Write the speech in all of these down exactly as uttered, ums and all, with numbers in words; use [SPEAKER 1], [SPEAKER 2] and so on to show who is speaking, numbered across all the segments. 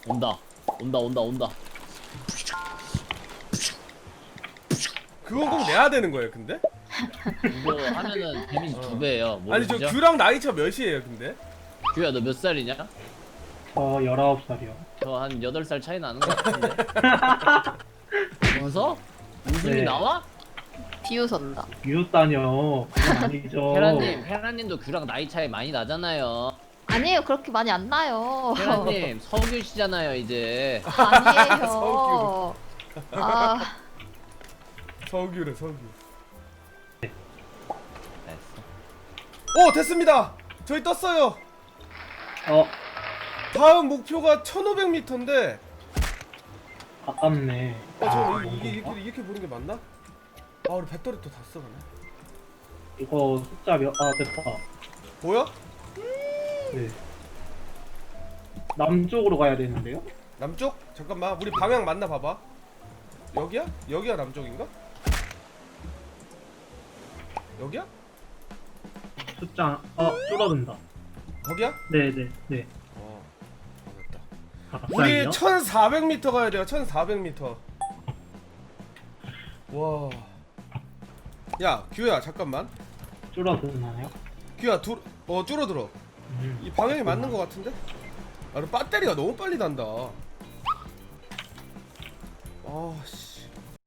[SPEAKER 1] 온다 온다 온다 온다.
[SPEAKER 2] 그건 꼭 내야 되는 거예요 근데?
[SPEAKER 1] 이거 하면은 데미지
[SPEAKER 2] 어.
[SPEAKER 1] 두 배예요.
[SPEAKER 2] 아니 저
[SPEAKER 1] 모르시죠?
[SPEAKER 2] 규랑 나이 차 몇이에요 근데?
[SPEAKER 1] 규야 너 몇 살이냐?
[SPEAKER 3] 저 열아홉 살이요.
[SPEAKER 1] 저 한 여덟 살 차이 나는 거 같은데. 웃어? 웃음이
[SPEAKER 3] 네.
[SPEAKER 1] 나와?
[SPEAKER 4] 비웃었다.
[SPEAKER 3] 비웃다뇨. 그건 아니죠.
[SPEAKER 1] 헤라님, 헤라님도 규랑 나이 차이 많이 나잖아요.
[SPEAKER 4] 아니에요. 그렇게 많이 안 나요.
[SPEAKER 1] 헤라님 서규시잖아요 이제.
[SPEAKER 4] 아니에요. 아,
[SPEAKER 2] 서규래 서규.
[SPEAKER 1] 됐어.
[SPEAKER 2] 오 됐습니다. 저희 떴어요.
[SPEAKER 3] 어,
[SPEAKER 2] 다음 목표가 천오백 미터인데
[SPEAKER 3] 아깝네.
[SPEAKER 2] 어 잠깐만
[SPEAKER 3] 아,
[SPEAKER 2] 이게
[SPEAKER 3] 뭔가?
[SPEAKER 2] 이렇게, 이렇게 보는 게 맞나? 아 우리 배터리 또 다 써가네.
[SPEAKER 3] 이거 숫자 몇, 아, 됐다.
[SPEAKER 2] 보여?
[SPEAKER 3] 네. 남쪽으로 가야 되는데요?
[SPEAKER 2] 남쪽? 잠깐만 우리 방향 맞나 봐봐. 여기야? 여기가 남쪽인가? 여기야?
[SPEAKER 3] 숫자, 어, 줄어든다.
[SPEAKER 2] 거기야?
[SPEAKER 3] 네네, 네.
[SPEAKER 2] 어 맞았다.
[SPEAKER 3] 아,
[SPEAKER 2] 우리
[SPEAKER 3] 갑자기요?
[SPEAKER 2] 천사백 미터 가야 돼요. 천사백 미터. 와. 야 규야 잠깐만.
[SPEAKER 3] 줄어드나요?
[SPEAKER 2] 규야 둘, 어 줄어들어.
[SPEAKER 3] 음.
[SPEAKER 2] 이 방향이 맞는 것 같은데? 아, 근데 배터리가 너무 빨리 단다. 아, 씨.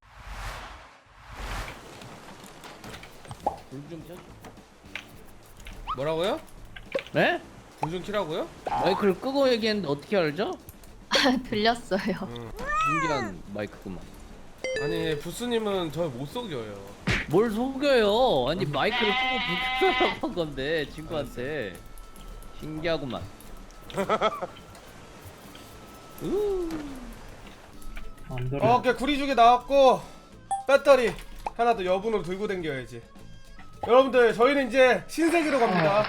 [SPEAKER 1] 불좀 켜.
[SPEAKER 2] 뭐라고요?
[SPEAKER 1] 네?
[SPEAKER 2] 불 좀 켜라고요?
[SPEAKER 1] 마이크를 끄고 얘기했는데 어떻게 알죠?
[SPEAKER 4] 들렸어요.
[SPEAKER 2] 응.
[SPEAKER 1] 신기한 마이크구만.
[SPEAKER 2] 아니, 부스님은 저 못 속여요.
[SPEAKER 1] 뭘 속여요? 아니 마이크를 끄고 불 켜라고 한 건데 친구한테. 신기하구만. 우.
[SPEAKER 3] 안 들어.
[SPEAKER 2] 어, 오케이. 구리죽이 나왔고, 배터리 하나 더 여분으로 들고 댕겨야지. 여러분들, 저희는 이제 신세계로 갑니다.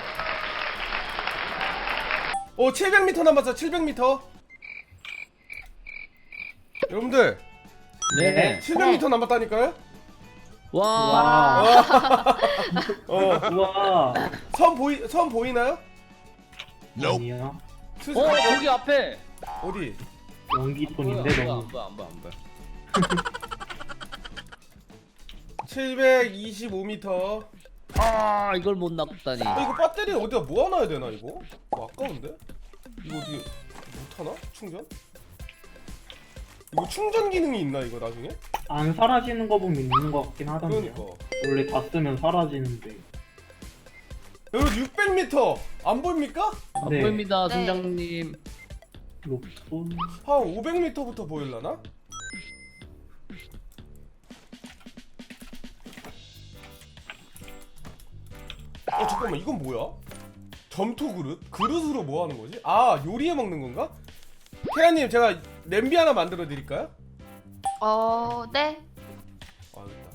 [SPEAKER 2] 오, 칠백 미터 남았어, 칠백 미터. 여러분들,
[SPEAKER 1] 네.
[SPEAKER 2] 칠백 미터 남았다니까요?
[SPEAKER 1] 와.
[SPEAKER 3] 와,
[SPEAKER 2] 어,
[SPEAKER 3] 우와.
[SPEAKER 2] 선 보이, 선 보이나요?
[SPEAKER 3] 아니요.
[SPEAKER 2] 슬슬
[SPEAKER 1] 어
[SPEAKER 2] 가자.
[SPEAKER 1] 저기 앞에.
[SPEAKER 2] 어디?
[SPEAKER 3] 연기톤인데
[SPEAKER 1] 안
[SPEAKER 3] 너무.
[SPEAKER 1] 보여 안 보여 안 보여.
[SPEAKER 2] 칠백이십오 미터.
[SPEAKER 1] 아 이걸 못 낚다니.
[SPEAKER 2] 아, 이거 배터리 어디다 모아놔야 되나 이거? 어, 아까운데? 이거 어떻게 못하나? 충전? 이거 충전 기능이 있나 이거 나중에?
[SPEAKER 3] 안 사라지는 거 보면 있는 것 같긴 하던데요.
[SPEAKER 2] 그러니까
[SPEAKER 3] 원래 다 쓰면 사라지는데.
[SPEAKER 2] 여러분 육백 미터 안 보입니까?
[SPEAKER 1] 안
[SPEAKER 3] 네.
[SPEAKER 1] 보입니다
[SPEAKER 4] 네.
[SPEAKER 1] 선장님.
[SPEAKER 3] 롭손.
[SPEAKER 2] 한 오백 미터부터 보일라나? 어 잠깐만 이건 뭐야? 점토 그릇? 그릇으로 뭐 하는 거지? 아 요리해 먹는 건가? 케아님 제가 냄비 하나 만들어 드릴까요?
[SPEAKER 4] 어, 네.
[SPEAKER 2] 아 됐다.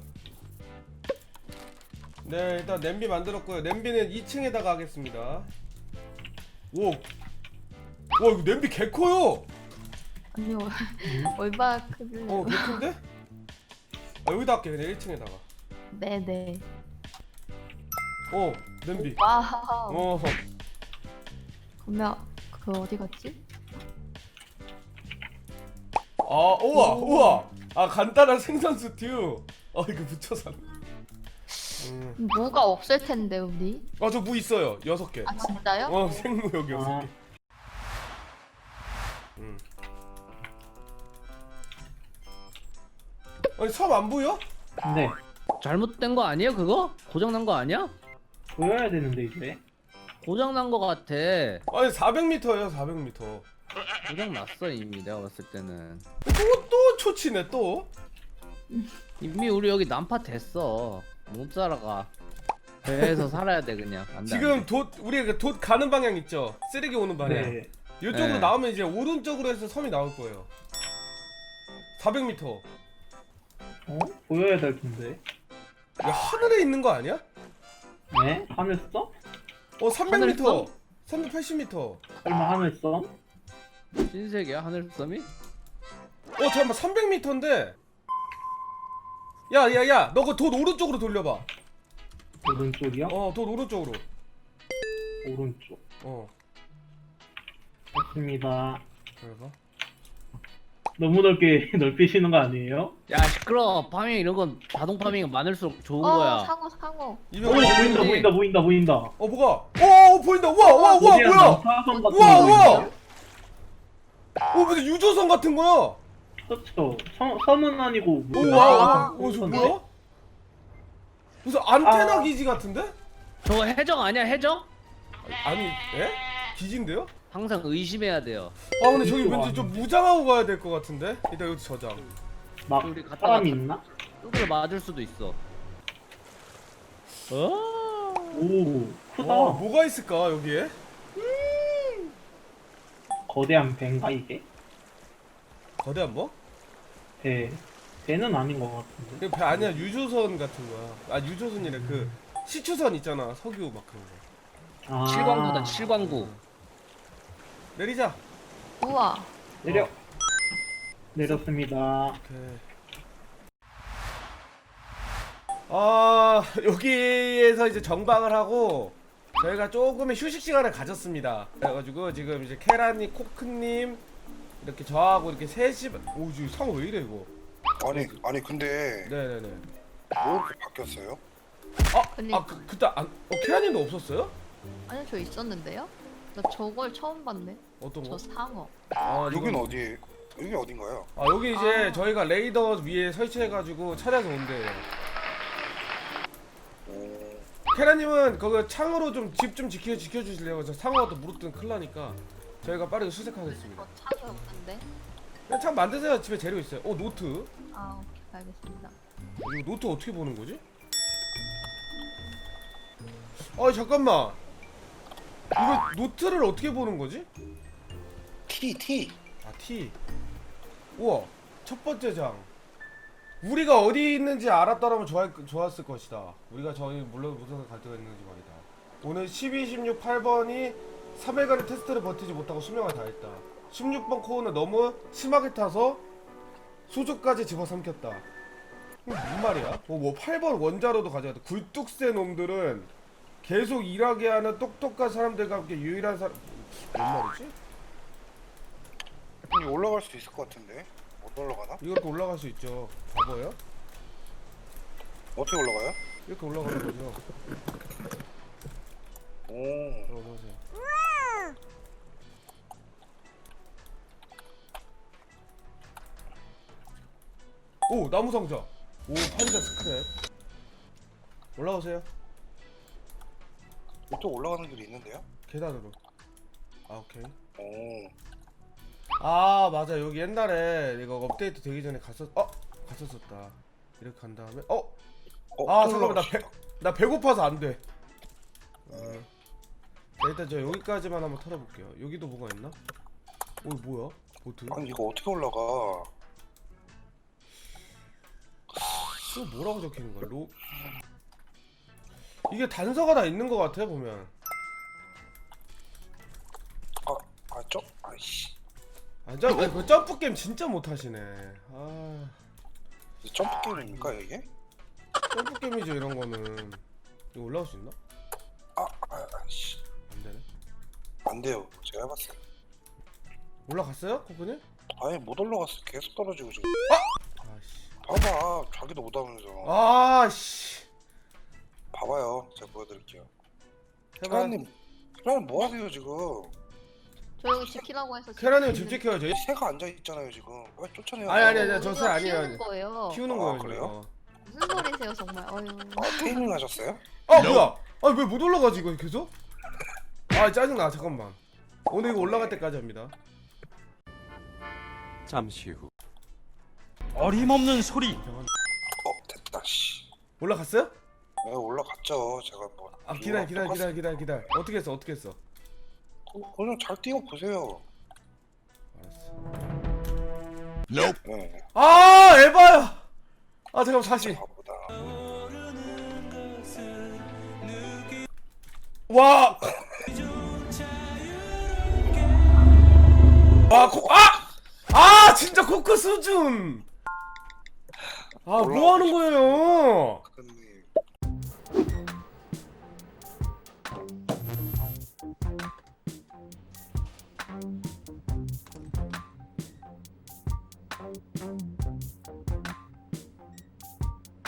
[SPEAKER 2] 네 일단 냄비 만들었고요. 냄비는 이 층에다가 하겠습니다. 오, 와 이거 냄비 개 커요.
[SPEAKER 4] 아니요. 얼마 크길래.
[SPEAKER 2] 어 개 큰데? 아, 여기다 할게 그냥 일 층에다가.
[SPEAKER 4] 네네.
[SPEAKER 2] 어 냄비.
[SPEAKER 4] 와우.
[SPEAKER 2] 어
[SPEAKER 4] 그러면 그 어디 갔지?
[SPEAKER 2] 아 우와
[SPEAKER 4] 오.
[SPEAKER 2] 우와 아 간단한 생선 스튜. 아 이거 붙여서. 음.
[SPEAKER 4] 무가 없을 텐데 우리.
[SPEAKER 2] 아저 무 있어요 여섯 개.
[SPEAKER 4] 아 진짜요?
[SPEAKER 2] 어 생무 여기 여섯
[SPEAKER 3] 아.
[SPEAKER 2] 개. 음. 아니 섬 안 보여?
[SPEAKER 3] 네.
[SPEAKER 1] 잘못된 거 아니에요 그거? 고장 난 거 아니야?
[SPEAKER 3] 보여야 되는데 이제.
[SPEAKER 1] 고장 난 거 같아.
[SPEAKER 2] 아니 사백 미터예요 사백 미터.
[SPEAKER 1] 고장 났어 이미 내가 봤을 때는.
[SPEAKER 2] 또 또 초치네 또.
[SPEAKER 1] 이미 우리 여기 난파 됐어. 못 살아가. 배에서 살아야 돼 그냥. 안 돼, 안
[SPEAKER 2] 지금
[SPEAKER 1] 돼.
[SPEAKER 2] 돛 우리 그 돛 가는 방향 있죠? 쓰레기 오는 방향.
[SPEAKER 3] 네.
[SPEAKER 2] 이쪽으로
[SPEAKER 1] 네.
[SPEAKER 2] 나오면 이제 오른쪽으로 해서 섬이 나올 거예요. 사백 미터.
[SPEAKER 3] 어? 보여야 될 텐데.
[SPEAKER 2] 야 하늘에 있는 거 아니야?
[SPEAKER 3] 네? 하늘섬?
[SPEAKER 2] 어 삼백 미터.
[SPEAKER 1] 하늘섬?
[SPEAKER 2] 삼백팔십 미터.
[SPEAKER 3] 설마 하늘섬?
[SPEAKER 1] 흰색이야 하늘섬이?
[SPEAKER 2] 어 잠깐만 삼백 미터인데. 야야야 너 그 돛 오른쪽으로 돌려봐.
[SPEAKER 3] 오른쪽이요?
[SPEAKER 2] 어 돛 오른쪽으로.
[SPEAKER 3] 오른쪽.
[SPEAKER 2] 어
[SPEAKER 3] 됐습니다.
[SPEAKER 2] 그래봐.
[SPEAKER 3] 너무 넓게 넓히시는 거 아니에요?
[SPEAKER 1] 야 시끄러. 파밍 이런 건 자동 파밍은 많을수록 좋은
[SPEAKER 4] 어
[SPEAKER 1] 거야.
[SPEAKER 4] 상어 상어.
[SPEAKER 3] 오
[SPEAKER 2] 이병
[SPEAKER 3] 보인다
[SPEAKER 1] 보이네.
[SPEAKER 3] 보인다 보인다 보인다.
[SPEAKER 2] 어 뭐가? 어 보인다. 우와 우와 우와
[SPEAKER 3] 거대한
[SPEAKER 2] 뭐야?
[SPEAKER 3] 남사선 같은
[SPEAKER 2] 우와
[SPEAKER 3] 거
[SPEAKER 2] 우와.
[SPEAKER 3] 보이세요?
[SPEAKER 2] 어 무슨 유조선 같은 거야?
[SPEAKER 3] 그렇죠. 선, 선은 아니고
[SPEAKER 2] 오
[SPEAKER 3] 무슨
[SPEAKER 2] 와.
[SPEAKER 3] 남사선
[SPEAKER 2] 어 저
[SPEAKER 3] 선인데?
[SPEAKER 2] 뭐야? 무슨 안테나
[SPEAKER 3] 아.
[SPEAKER 2] 기지 같은데?
[SPEAKER 1] 저거 해적 아니야 해적?
[SPEAKER 2] 아니 에? 기지인데요?
[SPEAKER 1] 항상 의심해야 돼요.
[SPEAKER 2] 아 근데 저기
[SPEAKER 3] 이거
[SPEAKER 2] 왠지 좀 무장하고 가야 될 것 같은데? 일단 여기 저장.
[SPEAKER 3] 막
[SPEAKER 1] 우리 갔다
[SPEAKER 3] 사람이
[SPEAKER 1] 갔다.
[SPEAKER 3] 있나?
[SPEAKER 1] 뚜들 맞을 수도 있어. 어?
[SPEAKER 3] 오 크다.
[SPEAKER 2] 와 뭐가 있을까 여기에?
[SPEAKER 3] 거대한 배인가 이게?
[SPEAKER 2] 거대한 뭐?
[SPEAKER 3] 배 배는 아닌 것 같은데.
[SPEAKER 2] 이거 배 아니야 유조선 같은 거야. 아 유조선이래 그 시추선 있잖아 석유 막 그런 거.
[SPEAKER 3] 아,
[SPEAKER 1] 칠광구다 칠광구.
[SPEAKER 2] 내리자.
[SPEAKER 4] 우와.
[SPEAKER 3] 내려.
[SPEAKER 2] 어.
[SPEAKER 3] 내렸습니다.
[SPEAKER 2] 오케이. 아 여기에서 이제 정박을 하고 저희가 조금의 휴식 시간을 가졌습니다. 그래가지고 지금 이제 케라님, 코크님 이렇게 저하고 이렇게 셋이 오지 상 왜 이래 이거?
[SPEAKER 5] 아니 아니 근데
[SPEAKER 2] 네네네.
[SPEAKER 5] 뭐 이렇게 바뀌었어요?
[SPEAKER 2] 아,
[SPEAKER 4] 근데-
[SPEAKER 2] 아 그, 그때 안, 어 케라님도 없었어요?
[SPEAKER 4] 아니 저 있었는데요? 나 저걸 처음 봤네.
[SPEAKER 2] 어떤
[SPEAKER 4] 저
[SPEAKER 2] 거?
[SPEAKER 4] 상어.
[SPEAKER 2] 아
[SPEAKER 5] 여긴
[SPEAKER 2] 이건-
[SPEAKER 5] 어디? 여기 어딘가요?
[SPEAKER 2] 아 여기 이제
[SPEAKER 4] 아.
[SPEAKER 2] 저희가 레이더 위에 설치해가지고 찾아서 온대요.
[SPEAKER 5] 오,
[SPEAKER 2] 케라님은 거기 창으로 좀 집 좀 지켜 지켜주실래요? 저 상어가 또 무릎 큰일 나니까 저희가 빠르게 수색하겠습니다.
[SPEAKER 4] 이거 창이 없는데?
[SPEAKER 2] 그냥 창 만드세요. 집에 재료 있어요. 어 노트.
[SPEAKER 4] 아 오케이 알겠습니다.
[SPEAKER 2] 이거 노트 어떻게 보는 거지? 아 잠깐만. 이거 노트를 어떻게 보는 거지?
[SPEAKER 5] T T.
[SPEAKER 2] 아 T. 우와 첫 번째 장. 우리가 어디 있는지 알았더라면 좋아, 좋았을 것이다. 우리가 저희 물론 무슨 갈등가 있는지 말이다. 오늘 십이, 십육, 팔 번이 삼 일간의 테스트를 버티지 못하고 수명을 다했다. 십육 번 코어는 너무 심하게 타서 소주까지 집어삼켰다. 이게 무슨 말이야? 어, 뭐 팔 번 원자로도 가져갔다. 굴뚝새 놈들은 계속 일하게 하는 똑똑한 사람들과 함께 유일한 사람... 뭔 말이지?
[SPEAKER 5] 여기 올라갈 수 있을 것 같은데. 못 올라가나?
[SPEAKER 2] 이렇게 올라갈 수 있죠. 바보예요?
[SPEAKER 5] 어떻게 올라가요?
[SPEAKER 2] 이렇게 올라가는 거죠.
[SPEAKER 5] 오,
[SPEAKER 2] 들어보세요. 오 나무 상자. 오 판자 스크랩. 올라오세요.
[SPEAKER 5] 또 올라가는 길이 있는데요?
[SPEAKER 2] 계단으로. 아 오케이.
[SPEAKER 5] 오,
[SPEAKER 2] 아 맞아 여기 옛날에 이거 업데이트 되기 전에 갔었 어 갔었었다. 이렇게 간 다음에 어
[SPEAKER 5] 어,
[SPEAKER 2] 아
[SPEAKER 5] 또
[SPEAKER 2] 잠깐만 나
[SPEAKER 5] 올라갈 수
[SPEAKER 2] 배
[SPEAKER 5] 있다.
[SPEAKER 2] 나 배고파서 안 돼. 어. 자, 일단 저 여기까지만 한번 털어볼게요. 여기도 뭐가 있나? 오 뭐야? 보트?
[SPEAKER 5] 아니 이거 어떻게 올라가?
[SPEAKER 2] 이거 뭐라고 적혀있는 거야? 로 이게 단서가 다 있는 것 같아 보면.
[SPEAKER 5] 아, 아, 저, 아이씨.
[SPEAKER 2] 아, 점, 아니, 그 점프 게임 진짜 못 하시네. 아,
[SPEAKER 5] 이게 점프 게임입니까 이게?
[SPEAKER 2] 점프 게임이죠 이런 거는. 이거 올라올 수 있나?
[SPEAKER 5] 아, 아, 아이씨.
[SPEAKER 2] 안 되네.
[SPEAKER 5] 안 돼요. 제가 해봤어요.
[SPEAKER 2] 올라갔어요, 코코님?
[SPEAKER 5] 아니 못 올라갔어. 계속 떨어지고 지금.
[SPEAKER 2] 아씨.
[SPEAKER 5] 봐봐, 자기도 못 하면서.
[SPEAKER 2] 아씨.
[SPEAKER 5] 봐봐요. 제가 보여드릴게요.
[SPEAKER 2] 해봐.
[SPEAKER 5] 케라님, 케라님 뭐 하세요 지금?
[SPEAKER 4] 저 여기 지키라고 해서.
[SPEAKER 2] 케라님 집
[SPEAKER 4] 지키는데
[SPEAKER 2] 지켜야죠.
[SPEAKER 5] 이 새가 앉아 있잖아요 지금. 왜 쫓아내요?
[SPEAKER 2] 아니, 아니, 아니.
[SPEAKER 4] 우리가
[SPEAKER 2] 저 새 아니에요.
[SPEAKER 4] 키우는 거예요.
[SPEAKER 2] 키우는
[SPEAKER 5] 아,
[SPEAKER 2] 거예요.
[SPEAKER 5] 그래요?
[SPEAKER 2] 저거.
[SPEAKER 4] 무슨 소리세요 정말. 어휴.
[SPEAKER 5] 아, 테이밍 하셨어요?
[SPEAKER 2] 아 뭐야? 아니 왜 못 올라가지 이거 계속? 아 짜증나 잠깐만. 오늘 이거 올라갈 때까지 합니다.
[SPEAKER 6] 잠시 후 어림없는 소리
[SPEAKER 5] 어, 됐다. 씨.
[SPEAKER 2] 올라갔어요?
[SPEAKER 5] 네, 올라갔죠. 제가 뭐.
[SPEAKER 2] 아 기다려 기다려 기다려 기다려 기다려. 어떻게 했어 어떻게 했어?
[SPEAKER 5] 어, 그냥 잘 뛰어 보세요.
[SPEAKER 2] 알았어.
[SPEAKER 5] 네.
[SPEAKER 2] 아 에바야. 아 잠깐만 다시.
[SPEAKER 5] 바보다.
[SPEAKER 2] 와. 와 코. 아! 아 진짜 코크 수준. 아 뭐 하는 거예요?
[SPEAKER 5] 근데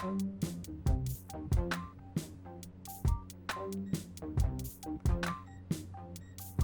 [SPEAKER 2] 어?